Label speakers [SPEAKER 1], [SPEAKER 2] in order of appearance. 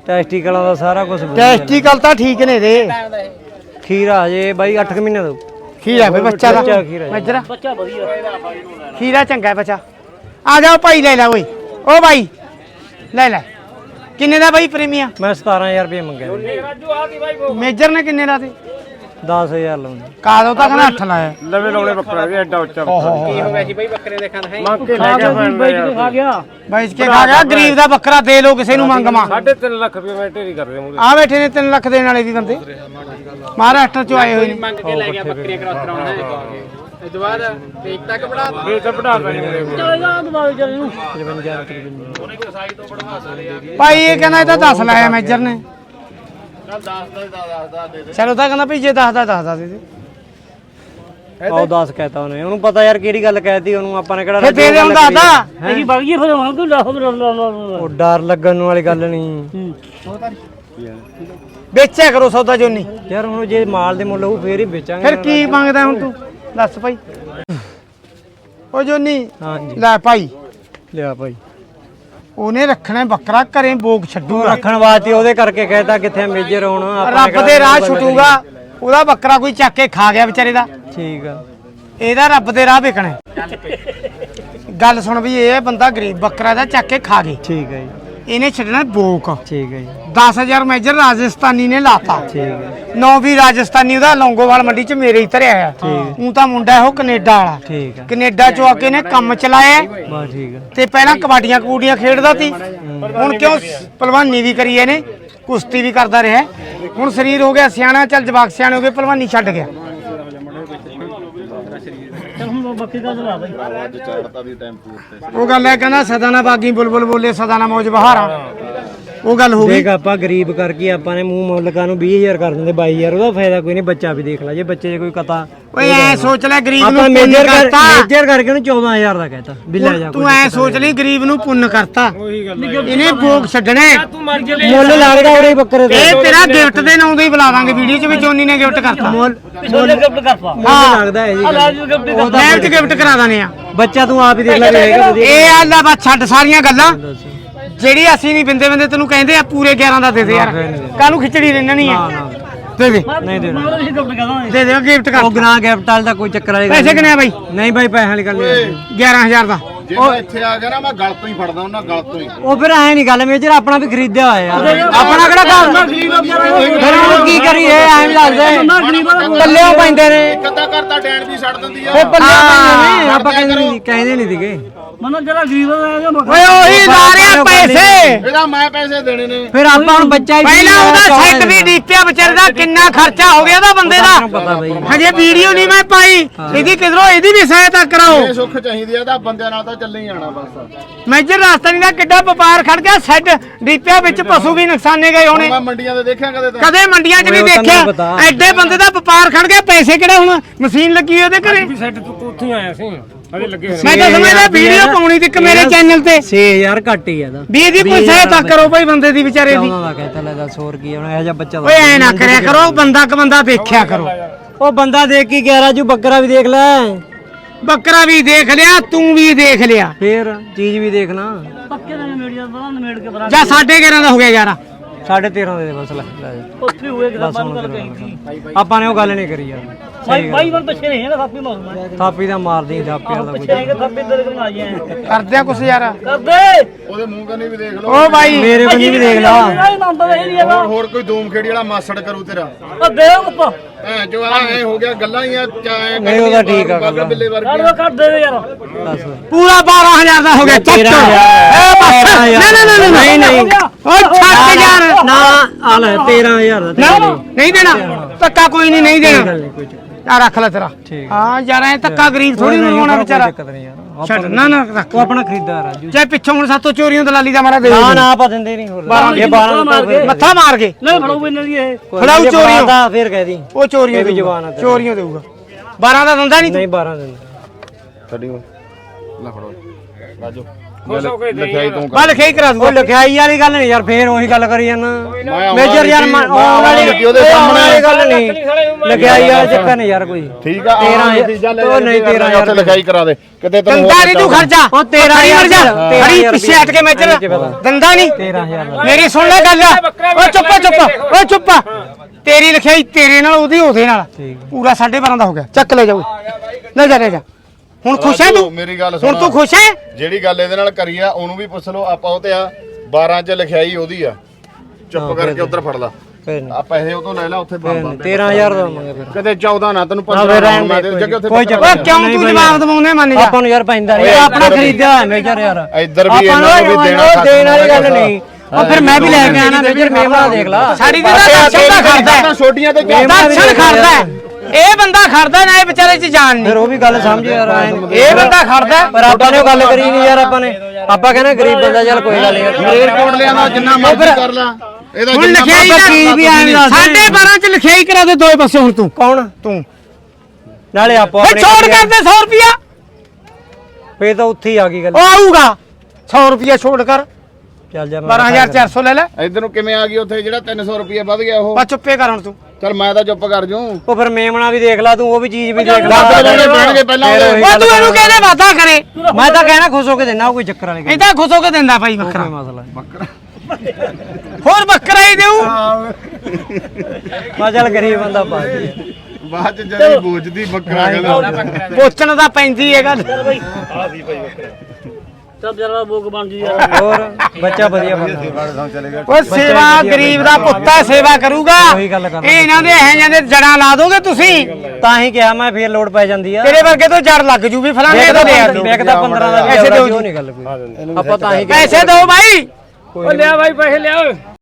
[SPEAKER 1] ਟੈਸਟੀਕਲਾਂ ਦਾ ਸਾਰਾ ਕੁਝ
[SPEAKER 2] ਟੈਸਟੀਕਲ ਤਾਂ ਠੀਕ ਨੇ ਦੇ
[SPEAKER 1] ਖੀਰਾ ਜੇ ਬਾਈ 8 ਮਹੀਨੇ ਦਾ
[SPEAKER 2] ਖੀਰਾ ਬਈ ਬੱਚਾ ਦਾ ਮੇਜਰਾ
[SPEAKER 3] ਬੱਚਾ ਵਧੀਆ
[SPEAKER 2] ਖੀਰਾ ਚੰਗਾ ਬੱਚਾ ਆ ਜਾਓ ਭਾਈ ਲੈ ਲੈ ਓਏ ਓ ਭਾਈ ਲੈ ਲੈ ਕਿੰਨੇ ਦਾ ਬਾਈ ਪ੍ਰੀਮੀਆ
[SPEAKER 1] ਮੈਂ 17000 ਰੁਪਏ ਮੰਗਿਆ
[SPEAKER 2] ਮੇਜਰ ਨੇ ਕਿੰਨੇ ਲਾਤੇ
[SPEAKER 1] 10000 ਲਾਉਂਦਾ
[SPEAKER 2] ਕਾਦੋਂ ਤੱਕ ਨਾ 8 ਲਾਇਆ
[SPEAKER 4] ਲਵੇ ਲਾਉਣੇ ਬੱਕਰਾ ਵੀ ਐਡਾ ਉੱਚਾ
[SPEAKER 3] ਕੀ ਹੋ ਗਿਆ ਸੀ ਬਾਈ ਬੱਕਰੇ ਦੇਖਣ ਹੈ
[SPEAKER 4] ਮੰਗ ਕੇ ਲੈ ਗਿਆ
[SPEAKER 3] ਖਾ ਗਿਆ
[SPEAKER 2] ਬਾਈਜ ਕੇ ਖਾ ਗਿਆ ਗਰੀਬ ਦਾ ਬੱਕਰਾ ਦੇ ਲੋ ਕਿਸੇ ਨੂੰ ਮੰਗ ਮਾ
[SPEAKER 4] 3.5 ਲੱਖ ਰੁਪਏ ਮੈਂ ਢੇਰੀ ਕਰ ਰਿਹਾ ਮੂਰੇ
[SPEAKER 2] ਆ ਬੈਠੇ ਨੇ 3 ਲੱਖ ਦੇਣ ਵਾਲੇ ਵੀ ਬੰਦੇ ਮਹਾਰਾਸ਼ਟਰ ਚੋਂ ਆਏ ਹੋਏ ਨੇ
[SPEAKER 3] ਮੰਗ ਕੇ ਲੈ ਗਿਆ ਬੱਕਰੀਆਂ ਕ੍ਰਾਸ ਕਰਾਉਣਾ ਹੈ ਇਹ ਤੋਂ ਬਾਅਦ ਵੇਚ ਤੱਕ ਬੜਾ
[SPEAKER 4] ਵੇਚ ਤਾਂ ਵਧਾਤਾ ਜੀ ਮੇਰੇ ਕੋਲ
[SPEAKER 3] ਚਲੇਗਾ ਦੁਬਾਰਾ ਚੱਲ ਨੂੰ
[SPEAKER 1] 55
[SPEAKER 2] ਭਾਈ ਇਹ ਕਹਿੰਦਾ ਇਹ ਤਾਂ 10 ਲਾਇਆ ਮੇਜਰ ਨੇ ਚਲੋ ਤਾਂ ਕਹਿੰਦਾ ਵੀ ਜੇ 10 ਦਾ ਦੇ ਦੇ
[SPEAKER 1] ਉਹ 10 ਕਹਿਤਾ ਉਹਨੇ ਉਹਨੂੰ ਪਤਾ ਯਾਰ ਕਿਹੜੀ ਗੱਲ ਕਹਿਤੀ ਉਹਨੂੰ ਆਪਾਂ ਨੇ ਕਿਹੜਾ
[SPEAKER 2] ਫਿਰ ਦੇ ਦੇ ਹੁਣ ਦੱਸਦਾ
[SPEAKER 3] ਅਸੀਂ ਵਗ ਜੀ ਫਿਰ ਹੁਣ ਤੂੰ
[SPEAKER 1] ਉਹ ਡਰ ਲੱਗਣ ਵਾਲੀ ਗੱਲ ਨਹੀਂ
[SPEAKER 2] ਵੇਚਿਆ ਕਰੋ ਸੌਦਾ ਜੋਨੀ
[SPEAKER 1] ਯਾਰ ਹੁਣ ਜੇ ਮਾਲ ਦੇ ਮੁੱਲ ਹੋਊ ਫੇਰ ਹੀ ਵੇਚਾਂਗੇ
[SPEAKER 2] ਫਿਰ ਕੀ ਮੰਗਦਾ ਹੁਣ ਤੂੰ ਦੱਸ ਭਾਈ ਓ ਜੋਨੀ
[SPEAKER 1] ਹਾਂਜੀ
[SPEAKER 2] ਲੈ ਭਾਈ
[SPEAKER 1] ਲਿਆ ਭਾਈ
[SPEAKER 2] ਉਹਨੇ ਰੱਖਣਾ ਬੱਕਰਾ ਘਰੇ ਬੋਗ ਛੱਡੂਗਾ
[SPEAKER 1] ਰੱਖਣ ਵਾਸਤੇ ਉਹਦੇ ਕਰਕੇ ਕਹਿਤਾ ਕਿੱਥੇ ਮੇਜਰ ਹੁਣ
[SPEAKER 2] ਰੱਬ ਦੇ ਰਾਹ ਛੁੱਟੂਗਾ ਉਹਦਾ ਬੱਕਰਾ ਕੋਈ ਚੱਕ ਕੇ ਖਾ ਗਿਆ ਵਿਚਾਰੇ ਦਾ
[SPEAKER 1] ਠੀਕ ਆ
[SPEAKER 2] ਇਹਦਾ ਰੱਬ ਦੇ ਰਾਹ ਵਿਕਣਾ ਗੱਲ ਸੁਣ ਵੀ ਇਹ ਬੰਦਾ ਗਰੀਬ ਬੱਕਰਾ ਦਾ ਚੱਕ ਕੇ ਖਾ ਗਏ
[SPEAKER 1] ਠੀਕ ਹੈ ਜੀ
[SPEAKER 2] ਇਹਨੇ ਛੱਡਣਾ ਬੋਕ
[SPEAKER 1] ਠੀਕ ਹੈ ਜੀ
[SPEAKER 2] 10000 ਮੇਜਰ ਰਾਜਸਥਾਨੀ ਨੇ ਲਾਤਾ
[SPEAKER 1] ਠੀਕ ਹੈ
[SPEAKER 2] 9 ਵੀ ਰਾਜਸਥਾਨੀ ਉਹਦਾ ਲੌਂਗੋਵਾਲ ਮੰਡੀ ਚ ਮੇਰੇ ਹੀ ਧਰਿਆ ਆ ਉਹ ਤਾਂ ਮੁੰਡਾ ਉਹ ਕੈਨੇਡਾ ਵਾਲਾ
[SPEAKER 1] ਠੀਕ ਆ
[SPEAKER 2] ਕੈਨੇਡਾ ਚੋਂ ਆ ਕੇ ਇਹਨੇ ਕੰਮ ਚਲਾਇਆ
[SPEAKER 1] ਬਸ ਠੀਕ ਆ
[SPEAKER 2] ਤੇ ਪਹਿਲਾਂ ਕਬੱਡੀਆਂ ਕਬੂਡੀਆਂ ਖੇਡਦਾ ਸੀ ਹੁਣ ਕਿਉਂ ਪਹਿਲਵਾਨੀ ਵੀ ਕਰੀ ਇਹਨੇ ਕੁਸ਼ਤੀ ਵੀ ਕਰਦਾ ਰਿਹਾ ਹੁਣ ਸਰੀਰ ਹੋ ਗਿਆ ਸਿਆਣਾ ਚੱਲ ਜਵਾਕ ਸਿਆਣੇ ਹੋ ਗਏ ਪਹਿਲਵਾਨੀ ਛੱਡ ਗਿਆ
[SPEAKER 3] ਹੁਣ ਬੱਕਰੀ ਦਾ ਚਲਾ ਬਾਈ
[SPEAKER 2] ਉਹ ਗੱਲ ਹੈ ਕਹਿੰਦਾ ਸਦਾ ਨਾ ਬਾਗੀ ਬੁਲਬੁਲ ਬੋਲੇ ਸਦਾ ਨਾ ਮੌਜ ਬਹਾਰਾ ਉਹ ਗੱਲ ਹੋ ਗਈ
[SPEAKER 1] ਦੇਖ ਆਪਾਂ ਗਰੀਬ ਕਰਕੇ ਆਪਾਂ ਨੇ ਮੂੰਹ ਮੁੱਲਕਾਂ ਨੂੰ 20000 ਕਰ ਦਿੰਦੇ 22000 ਉਹਦਾ ਫਾਇਦਾ ਕੋਈ ਨਹੀਂ ਬੱਚਾ ਵੀ ਦੇਖ ਲੈ ਜੇ ਬੱਚੇ 'ਚ ਕੋਈ ਕਤਾ
[SPEAKER 2] ਓਏ ਐ ਸੋਚ ਲੈ ਗਰੀਬ ਨੂੰ
[SPEAKER 1] ਆਪਾਂ
[SPEAKER 2] ਪੁੰਨ
[SPEAKER 1] ਮੇਜਰ
[SPEAKER 2] ਕਰਤਾ
[SPEAKER 1] ਕਰਕੇ ਉਹਨੂੰ 14000 ਦਾ ਕਹਿਤਾ ਵੀ ਲੈ ਜਾ
[SPEAKER 2] ਤੂੰ ਐ ਸੋਚ ਲਈ ਗਰੀਬ ਨੂੰ ਪੁੰਨ ਕਰਤਾ ਇਹਨੇ ਭੋਗ ਛੱਡਣੇ
[SPEAKER 1] ਮੁੱਲ ਲੱਗਦਾ ਉਹਦੇ ਬੱਕਰੇ ਦਾ
[SPEAKER 2] ਇਹ ਤੇਰਾ ਗਿਫਟ ਦੇ ਨਾਂ ਦੇ ਹੀ ਬੁਲਾ ਦਾਂਗੇ ਵੀਡੀਓ 'ਚ ਵੀ ਜੋਨੀ ਨੇ ਗਿਫਟ ਕਰਤਾ
[SPEAKER 3] ਪਿਛੋਲੇ ਗਿਫਟ ਕਰਪਾ
[SPEAKER 1] ਮੁੱਲ ਲੱਗਦਾ ਹੈ ਜੀ
[SPEAKER 3] ਰਾਜੂ ਗਿਫਟ
[SPEAKER 2] ਲੈਬ 'ਚ ਗਿਫਟ ਕਰਾ ਦਾਨੇ ਆ
[SPEAKER 1] ਬੱਚਾ ਤੂੰ ਆਪ ਹੀ ਦੇਖ ਲੈ ਜਾਏਗਾ ਵਧੀਆ
[SPEAKER 2] ਇਹ ਆ ਲੈ ਬਸ ਛੱਡ ਸਾਰੀਆਂ ਗੱਲਾਂ ਜਿਹੜੀ ਅਸੀਂ ਨਹੀਂ ਬਿੰਦੇ ਤੈਨੂੰ ਕਹਿੰਦੇ ਆ ਪੂਰੇ 11 ਦਾ ਦੇ ਦੇ ਯਾਰ ਕਾਹਨੂੰ ਖਿਚੜੀ ਰਹਿਣੀ ਆ ਦੇ ਦੇ
[SPEAKER 1] ਨਹੀਂ ਦੇਣਾ
[SPEAKER 3] ਮਾਰੋ ਅਸੀਂ ਗਿਫਟ ਕਰਾਂਗੇ
[SPEAKER 2] ਦੇ ਦੇ ਗਿਫਟ ਕਰ
[SPEAKER 1] ਉਹ ਗਨਾ ਗਿਫਟ ਵਾਲ ਦਾ ਕੋਈ ਚੱਕਰ ਵਾਲੀ ਗੱਲ
[SPEAKER 2] ਪੈਸੇ ਕਿੰਨੇ ਆ ਬਾਈ
[SPEAKER 1] ਨਹੀਂ ਬਾਈ ਪੈਸੇ ਵਾਲੀ ਗੱਲ ਨਹੀਂ
[SPEAKER 2] 11000 ਦਾ
[SPEAKER 5] ਜੇ ਮੈਂ ਇੱਥੇ ਆ ਗਿਆ ਨਾ ਮੈਂ ਗਲ ਤੋਂ ਹੀ ਫੜਦਾ ਉਹਨਾਂ ਗਲ ਤੋਂ ਹੀ
[SPEAKER 1] ਉਹ ਫਿਰ ਐ ਨਹੀਂ ਗੱਲ ਮੇਜਰ ਆਪਣਾ ਵੀ ਖਰੀਦਿਆ ਹੋਇਆ ਯਾਰ ਆਪਣਾ ਕਿਹੜਾ ਘਰ ਫਿਰ ਹੁਣ ਕੀ ਕਰੀਏ ਐਂ ਵੀ ਲੱਗਦਾ ਪੱਲਿਓ ਪੈਂਦੇ ਨੇ
[SPEAKER 5] ਇੱਕ ਅੱਧਾ ਕਰਤਾ ਡੈਣ ਵੀ ਛੱਡ ਦਿੰਦੀ ਆ
[SPEAKER 1] ਉਹ ਪੱਲਿਓ ਪੈਂਦੇ ਨੇ ਆਪਾਂ ਕਹਿੰਦੇ ਨਹੀਂ ਸੀਗੇ
[SPEAKER 3] ਮਨੋਂ ਜਿਹੜਾ ਗਰੀਬ ਆ
[SPEAKER 2] ਓਏ ਉਹੀ ਲਾ ਰਿਹਾ ਪੈਸੇ
[SPEAKER 5] ਇਹਦਾ ਮੈਂ ਪੈਸੇ ਦੇਣੇ ਨੇ
[SPEAKER 1] ਫਿਰ ਆਪਾਂ ਹੁਣ ਬੱਚਾ ਹੀ
[SPEAKER 2] ਪਹਿਲਾਂ ਉਹਦਾ ਸੈੱਟ ਵੀ ਡੀਪਿਆ ਵਿਚਾਰੇ ਦਾ ਕਿੰਨਾ ਖਰਚਾ ਹੋ ਗਿਆ ਉਹਦਾ ਬੰਦੇ ਦਾ
[SPEAKER 1] ਪਤਾ ਬਾਈ
[SPEAKER 2] ਹਜੇ ਵੀਡੀਓ ਨਹੀਂ ਮੈਂ ਪਾਈ ਇਹਦੀ ਕਿਧਰੋਂ ਇਹਦੀ ਵੀ ਸਹਾਇਤਾ ਕਰਾਓ
[SPEAKER 5] ਇਹ ਸੁੱਖ ਚਾਹੀਦੀ ਆ ਤਾਂ ਬੰਦਿਆਂ ਨਾਲ ਤਾਂ ਚੱਲੇ ਹੀ ਆਣਾ ਬਸ
[SPEAKER 2] ਮੇਜਰ ਰਾਸਤਾਨੀ ਦਾ ਕਿੱਡਾ ਵਪਾਰ ਖੜ ਗਿਆ ਸੈੱਟ ਡੀਪਿਆ ਵਿੱਚ ਪਸ਼ੂ ਵੀ ਨੁਕਸਾਨੇ ਗਏ ਹੋਣੇ
[SPEAKER 5] ਮੈਂ ਮੰਡੀਆਂ ਤੇ ਦੇਖਿਆ ਕਦੇ ਤਾਂ
[SPEAKER 2] ਕਦੇ ਮੰਡੀਆਂ 'ਚ ਨਹੀਂ
[SPEAKER 1] ਉਹ ਤਾਂ ਮੈਨੂੰ
[SPEAKER 2] ਦੇਖਿਆ
[SPEAKER 1] ਪਤਾ।
[SPEAKER 2] ਐਡੇ ਬੰਦੇ ਦਾ ਵਪਾਰ ਖੜ ਗਿਆ ਪੈਸੇ ਕਿਹੜੇ ਹੁਣ ਮਸ਼ੀਨ ਲੱਗੀ ਉਹਦੇ ਘਰੇ
[SPEAKER 4] ਸੈੱਟ ਤੂੰ ਉੱਥੇ ਹੀ ਆਇਆ ਸੀ ਹਜੇ ਲੱਗੇ ਹੋਏ
[SPEAKER 2] ਮੈਂ ਤਾਂ ਸਮਝਦਾ ਵੀਡੀਓ ਪਾਉਣੀ ਤੇ ਇੱਕ ਮੇਰੇ ਚੈਨਲ ਤੇ
[SPEAKER 1] 6000 ਘੱਟ ਹੀ ਆ ਦਾ
[SPEAKER 2] ਵੀ ਇਹਦੀ ਕੋਈ ਸਹਾਇਤਾ ਕਰੋ ਭਾਈ ਬੰਦੇ ਦੀ ਵਿਚਾਰੇ ਦੀ
[SPEAKER 1] ਉਹਨਾਂ ਦਾ ਕਹਿਤਾ ਲੈ ਦੱਸ ਹੋਰ ਕੀ ਆ, ਹੁਣ ਇਹੋ ਜਿਹਾ ਬੱਚਾ
[SPEAKER 2] ਓਏ ਐ ਨਾ ਕਰਿਆ ਕਰੋ ਬੰਦਾ ਕ ਬੰਦਾ ਦੇਖਿਆ ਕਰੋ
[SPEAKER 1] ਉਹ ਬੰਦਾ ਦੇਖ ਕੇ ਕਹਿ ਰਾਜੂ ਬੱਕਰਾ ਵੀ ਦੇਖ ਲੈ
[SPEAKER 2] ਬੱਕਰਾ ਵੀ ਦੇਖ ਲਿਆ ਤੂੰ ਵੀ ਦੇਖ ਲਿਆ
[SPEAKER 1] ਫੇਰ ਚੀਜ਼ ਵੀ ਦੇਖਣਾ
[SPEAKER 3] ਪੱਕੇ ਦਾ ਮੇੜੀਆਂ ਬਣਾ ਮੇੜ ਕੇ ਬਣਾ
[SPEAKER 2] ਜਾਂ 11.5 ਦਾ ਹੋ ਗਿਆ ਯਾਰ
[SPEAKER 1] 13.5 ਦੇ ਬਸ ਲੈ ਲੈ ਜਾ।
[SPEAKER 3] ਉੱਥੇ ਹੋਏ ਕਿਤਾਬਾਂ ਨੂੰ ਗੱਲ ਕਹੀ ਸੀ
[SPEAKER 1] ਆਪਾਂ ਨੇ ਉਹ ਗੱਲ ਨਹੀਂ ਕਰੀ ਯਾਰ
[SPEAKER 3] ਬਾਈ ਵਨ ਪਿੱਛੇ ਨਹੀਂ ਹੈ ਨਾ ਕਾਪੀ ਮਾਰੂਗਾ
[SPEAKER 1] ਥਾਪੀ ਦਾ ਮਾਰਦੀ ਥਾਪੀਆਂ ਦਾ
[SPEAKER 3] ਪਿੱਛੇ ਨਹੀਂ ਕਿ ਕਾਪੀ ਤੇਰੇ ਕੋਲ ਆ ਜਾਏ
[SPEAKER 2] ਕਰਦੇ ਆ ਕੁਛ ਯਾਰ
[SPEAKER 3] ਕਰਦੇ
[SPEAKER 5] ਉਹਦੇ ਮੂੰਹ ਕੰਨੀ ਵੀ ਦੇਖ ਲਓ
[SPEAKER 2] ਓ ਬਾਈ
[SPEAKER 1] ਮੇਰੇ ਬੰਨੀ ਵੀ ਦੇਖ ਲਾ
[SPEAKER 3] ਇਹ ਨੰਬਰ ਨਹੀਂ ਹੈਗਾ
[SPEAKER 5] ਹੋਰ ਕੋਈ ਦੋਮ ਖੇੜੀ ਵਾਲਾ ਮਾਸੜ ਕਰੂ ਤੇਰਾ
[SPEAKER 3] ਉਹ ਦੇ ਉੱਪਰ
[SPEAKER 5] ਐ ਜੋ ਐ ਹੋ ਗਿਆ ਗੱਲਾਂ ਹੀ ਆ ਚਾਹੇ
[SPEAKER 1] ਨਹੀਂ, ਉਹਦਾ ਠੀਕ ਆ ਗੱਲ।
[SPEAKER 5] ਬਿੱਲੇ ਵਰਗੀ
[SPEAKER 3] ਕੱਢ ਕੱਢ ਦੇ ਦੇ ਯਾਰ
[SPEAKER 1] ਦੱਸ
[SPEAKER 2] ਪੂਰਾ 12000 ਦਾ ਹੋ ਗਿਆ ਚੱਕ
[SPEAKER 1] ਤੇਰਾ
[SPEAKER 2] ਏ ਬਸ ਨਹੀਂ
[SPEAKER 1] ਨਹੀਂ
[SPEAKER 2] ਓ ਛੱਡ ਯਾਰ
[SPEAKER 1] ਨਾ ਆ ਲੈ 13000 ਦਾ
[SPEAKER 2] ਨਹੀਂ ਦੇਣਾ ਧੱਕਾ ਕੋਈ ਨਹੀਂ ਨਹੀਂ ਦੇਣਾ
[SPEAKER 1] ਗੱਲ ਨਹੀਂ ਕੋਈ ਚੱਕਰ
[SPEAKER 2] ਆ ਰੱਖ ਲੈ ਤੇਰਾ
[SPEAKER 1] ਠੀਕ।
[SPEAKER 2] ਹਾਂ ਯਾਰ ਐ ਧੱਕਾ ਗਰੀਬ ਥੋੜੀ ਬਣਾਉਣਾ ਵਿਚਾਰਾ
[SPEAKER 1] ਦਿੱਕਤ ਨਹੀਂ ਯਾਰ
[SPEAKER 2] ਛੱਡ ਨਾ ਨਾ ਰੱਖ
[SPEAKER 1] ਉਹ ਆਪਣਾ ਖਰੀਦਦਾਰ ਰਾਜੂ
[SPEAKER 2] ਜੇ ਪਿੱਛੋਂ ਹੁਣ ਸਾਤੋਂ ਚੋਰੀਆਂ ਦਲਾਲੀ ਦਾ ਮਾਰਾ ਦੇ
[SPEAKER 1] ਨਾ ਨਾ ਆਪਾਂ ਦਿੰਦੇ ਨਹੀਂ ਹੋਰ ਇਹ 12
[SPEAKER 3] ਮਾਰ ਕੇ
[SPEAKER 2] ਮੱਥਾ ਮਾਰ ਕੇ
[SPEAKER 3] ਨਹੀਂ ਫੜੋ ਬਿੰਨੇ ਦੀ ਇਹ
[SPEAKER 2] ਫੜਾਓ ਚੋਰੀਆਂ
[SPEAKER 1] ਦਾ ਫੇਰ ਕਹਿ ਦੀ
[SPEAKER 2] ਉਹ ਚੋਰੀਆਂ
[SPEAKER 1] ਇਹ ਵੀ
[SPEAKER 2] ਦੇਊਗਾ।
[SPEAKER 1] ਜਵਾਨ ਆ ਤੇਰਾ।
[SPEAKER 2] ਚੋਰੀਆਂ ਦੇਊਗਾ 12 ਦਾ ਦੰਦਾ ਨਹੀਂ ਤੂੰ
[SPEAKER 1] ਨਹੀਂ 12 ਦਿੰਦਾ
[SPEAKER 5] ਛੱਡੀ ਲੈ ਫੜੋ ਰਾਜੋ
[SPEAKER 4] ਖੁਸ਼ ਹੋ ਕੇ
[SPEAKER 5] ਲਿਖਾਈ ਤੂੰ
[SPEAKER 2] ਬਾ ਲਿਖਾਈ ਕਰਾ
[SPEAKER 1] ਉਹ
[SPEAKER 2] ਦੂੰਗਾ
[SPEAKER 1] ਲਿਖਾਈ ਵਾਲੀ ਗੱਲ ਨਹੀਂ ਯਾਰ ਫੇਰ ਉਹੀ ਗੱਲ ਕਰੀ ਜਾਂਦਾ
[SPEAKER 5] ਮੈਂ
[SPEAKER 1] ਮੇਜਰ ਯਾਰ ਆਉਣ ਵਾਲੀ
[SPEAKER 5] ਉਹਦੇ ਸਾਹਮਣੇ
[SPEAKER 1] ਗੱਲ ਨਹੀਂ ਲਿਖਾਈ ਵਾਲਾ ਚੱਕਰ ਨਹੀਂ ਯਾਰ ਕੋਈ
[SPEAKER 5] ਠੀਕ ਆ
[SPEAKER 1] 13,000 ਉਹ ਨਹੀਂ 13,000
[SPEAKER 5] ਉੱਥੇ ਲਿਖਾਈ ਕਰਾ ਦੇ ਕਿਤੇ ਤੈਨੂੰ
[SPEAKER 2] ਦੰਦਾ ਨਹੀਂ ਤੂੰ ਖਰਚਾ
[SPEAKER 1] ਉਹ 13,000
[SPEAKER 2] ਖੜੀ ਪਿੱਛੇ ਹਟ ਕੇ ਮੇਜਰ ਦੰਦਾ ਨਹੀਂ
[SPEAKER 1] 13,000
[SPEAKER 2] ਮੇਰੀ ਸੁਣ ਲੈ ਗੱਲ ਓ ਚੁੱਪ ਤੇਰੀ ਲਿਖਾਈ ਤੇਰੇ ਨਾਲ ਉਹਦੇ ਨਾਲ ਪੂਰਾ 12.5 ਦਾ ਹੋ ਗਿਆ ਚੱਕ ਲੈ ਜਾਓ ਲੈ ਜਾ ਹੁਣ ਖੁਸ਼ ਹੈ ਤੂੰ
[SPEAKER 5] ਮੇਰੀ ਗੱਲ
[SPEAKER 2] ਹੁਣ
[SPEAKER 5] ਸੁਣ
[SPEAKER 2] ਤੂੰ ਖੁਸ਼ ਹੈ
[SPEAKER 5] ਜਿਹੜੀ ਗੱਲ ਇਹਦੇ ਨਾਲ ਕਰੀ ਆ ਉਹਨੂੰ ਵੀ ਪੁੱਛ ਲਓ ਆਪਾਂ ਉਹ ਤੇ ਆ 12 ਚ ਲਿਖਾਈ ਉਹਦੀ ਆ ਚੁੱਪ ਕਰਕੇ ਉੱਧਰ ਫੜ ਲਾ
[SPEAKER 1] ਫੇਰ ਨਹੀਂ
[SPEAKER 5] ਆ ਪੈਸੇ ਉਹ ਤੋਂ ਲੈ ਲੈ ਉੱਥੇ ਬੰਦ
[SPEAKER 1] 13,000 ਦਵਾਂਗੇ ਫਿਰ
[SPEAKER 5] ਕਿਤੇ 14 ਨਾ ਤੈਨੂੰ
[SPEAKER 1] ਹਾਂ,
[SPEAKER 5] 15
[SPEAKER 1] ਫਿਰ
[SPEAKER 5] ਨਾ
[SPEAKER 1] ਰਹਿਣ
[SPEAKER 5] ਮੈਂ
[SPEAKER 1] ਦੇ,
[SPEAKER 5] ਦੇ ਜੱਗੇ ਉੱਥੇ
[SPEAKER 1] ਕੋਈ ਚੱਕਰ
[SPEAKER 2] ਓ ਕਿਉਂ ਤੂੰ ਜਵਾਬ ਦਵਾਉਂਦੇ ਮੰਨ ਜਾ
[SPEAKER 1] ਆਪਾਂ ਨੂੰ ਯਾਰ ਪੈਂਦਾ ਨਹੀਂ ਆਪਣਾ ਖਰੀਦਿਆ ਹੋਇਆ ਮੇਜਰ ਯਾਰ
[SPEAKER 5] ਇੱਧਰ ਵੀ
[SPEAKER 1] ਆਪਾਂ ਨੂੰ
[SPEAKER 5] ਇਹਨਾਂ ਨੂੰ ਵੀ ਦੇਣਾ
[SPEAKER 1] ਉਹ ਦੇਣ ਵਾਲੀ ਗੱਲ ਨਹੀਂ ਉਹ ਫਿਰ ਮੈਂ ਵੀ ਲੈ ਕੇ ਆਣਾ ਮੇਜਰ ਮੇਮਣਾ ਦੇਖ ਲਾ
[SPEAKER 2] ਸਾਡੀ ਦੀ ਦਰਸ਼ਨ ਦਾ ਖੜਦਾ ਹੈ
[SPEAKER 5] ਛੋਟੀਆਂ ਤੇ
[SPEAKER 2] ਦਰਸ਼ਨ ਖੜਦਾ ਹੈ ਇਹ ਬੰਦਾ ਖੜਦਾ ਨਾ ਇਹ ਵਿਚਾਰੇ ਚ ਜਾਣ ਨਹੀਂ
[SPEAKER 1] ਫਿਰ ਉਹ ਵੀ ਗੱਲ ਸਮਝ ਯਾਰ
[SPEAKER 2] ਇਹ ਬੰਦਾ ਖੜਦਾ ਹੈ।
[SPEAKER 1] ਪਰ ਆਪਾਂ ਨੇ ਉਹ ਗੱਲ ਕਰੀ ਨਹੀਂ ਯਾਰ ਆਪਾਂ ਕਹਿੰਦੇ ਗਰੀਬ ਬੰਦਾ ਚੱਲ ਕੋਈ ਗੱਲ ਨਹੀਂ ਯਾਰ
[SPEAKER 5] ਰੇਟ ਕੋਡ ਲਿਆਂਦਾ ਜਿੰਨਾ ਮਰਜ਼ੀ ਕਰ ਲਾ ਇਹਦਾ
[SPEAKER 2] ਹੁਣ ਲਿਖਾਈ
[SPEAKER 1] ਚੀਜ਼ ਵੀ ਐਂ ਦੱਸ ਦੇ।
[SPEAKER 2] 12.5 ਚ ਲਿਖਾਈ ਕਰਾ ਦੇ ਦੋਏ ਪਾਸੇ ਹੁਣ ਤੂੰ
[SPEAKER 1] ਕੌਣ
[SPEAKER 2] ਤੂੰ
[SPEAKER 1] ਨਾਲੇ ਆਪੋ
[SPEAKER 2] ਓਏ ਛੋੜ ਕਰ ਦੇ 100 ਰੁਪਿਆ
[SPEAKER 1] ਫੇਰ ਤਾਂ ਉੱਥੇ ਹੀ ਆ ਗਈ ਗੱਲ
[SPEAKER 2] ਉਹ ਆਊਗਾ 100 ਰੁਪਿਆ ਛੋੜ ਕਰ
[SPEAKER 1] ਚੱਲ ਜਾ
[SPEAKER 2] 12400 ਲੈ ਲੈ
[SPEAKER 5] ਇੱਧਰ ਨੂੰ ਕਿਵੇਂ ਆ ਗਈ ਉੱਥੇ ਜਿਹੜਾ 300 ਰੁਪਏ ਵੱਧ ਗਿਆ ਉਹ
[SPEAKER 2] ਬਾ ਚੁੱਪੇ ਕਰ ਹੁਣ ਤੂੰ
[SPEAKER 5] ਚਲ ਮੈਂ ਤਾਂ ਚੁੱਪ ਕਰ ਜੂ
[SPEAKER 1] ਉਹ ਫਿਰ ਮੇਮਣਾ ਵੀ ਦੇਖ ਲਾ ਤੂੰ ਉਹ ਵੀ ਚੀਜ਼ ਵੀ ਦੇਖ ਲਾ
[SPEAKER 5] ਲੱਗ ਲੈਣੇ ਪੈਣਗੇ ਪਹਿਲਾਂ
[SPEAKER 1] ਫਿਰ ਉਹੀ
[SPEAKER 2] ਓ
[SPEAKER 1] ਗੱਲ
[SPEAKER 2] ਤੂੰ ਇਹਨੂੰ ਕਹਿੰਦੇ ਵਾਦਾ ਕਰੇ
[SPEAKER 1] ਮੈਂ ਤਾਂ ਕਹਿਣਾ ਖੁਸ਼ ਹੋ ਕੇ ਦੇਣਾ ਕੋਈ ਚੱਕਰ ਵਾਲੀ ਗੱਲ
[SPEAKER 2] ਇਦਾਂ ਖੁਸ਼ ਹੋ ਕੇ ਦਿੰਦਾ ਭਾਈ ਬੱਕਰਾ
[SPEAKER 1] ਨਹੀਂ ਮਸਲਾ
[SPEAKER 2] ਹੋਰ ਬੱਕਰਾ ਹੀ ਦੇਊ
[SPEAKER 1] ਮੈਂ ਚੱਲ ਗਰੀਬ ਬੰਦਾ ਪਾ ਦੇ
[SPEAKER 5] ਬਾਅਦ ਚ ਜਿਹੜੀ ਬੋਝਦੀ ਬੱਕਰਾ ਕਹਿੰਦਾ
[SPEAKER 2] ਪੋਚਣ ਦਾ ਪੈਂਦੀ ਹੈ ਗੱਲ
[SPEAKER 1] ਹੋਰ ਬੱਚਾ ਵਧੀਆ ਬੰਦਾ
[SPEAKER 2] ਓਏ ਸੇਵਾ ਗਰੀਬ ਦਾ ਪੁੱਤ ਹੈ ਸੇਵਾ ਕਰੂਗਾ
[SPEAKER 1] ਉਹੀ ਗੱਲ ਕਰਦਾ।
[SPEAKER 2] ਇਹ ਇਹਨਾਂ ਦੇ ਇਹ ਜਾਂਦੇ ਜੜਾਂ ਲਾ ਦੋਗੇ ਤੁਸੀਂ
[SPEAKER 1] ਤਾਂ ਹੀ ਕਿਹਾ ਮੈਂ ਫੇਰ ਲੋਡ ਪੈ ਜਾਂਦੀ ਆ
[SPEAKER 2] ਤੇਰੇ ਵਰਗੇ ਤੋਂ ਜੜ ਲੱਗ ਜੂ ਵੀ ਫਲਾਣੇ ਤੋਂ ਦੇ ਆ ਤੂੰ
[SPEAKER 1] ਵੇਖਦਾ 15 ਦਾ
[SPEAKER 2] ਪੈਸੇ ਦਿਓ
[SPEAKER 1] ਉਹ ਨਹੀਂ ਗੱਲ ਕੋਈ ਆਪਾਂ ਤਾਂ ਹੀ
[SPEAKER 2] ਪੈਸੇ ਦਿਓ ਭਾਈ
[SPEAKER 4] ਉਹ ਲਿਆ ਬਾਈ ਪੈਸੇ ਲਿਆ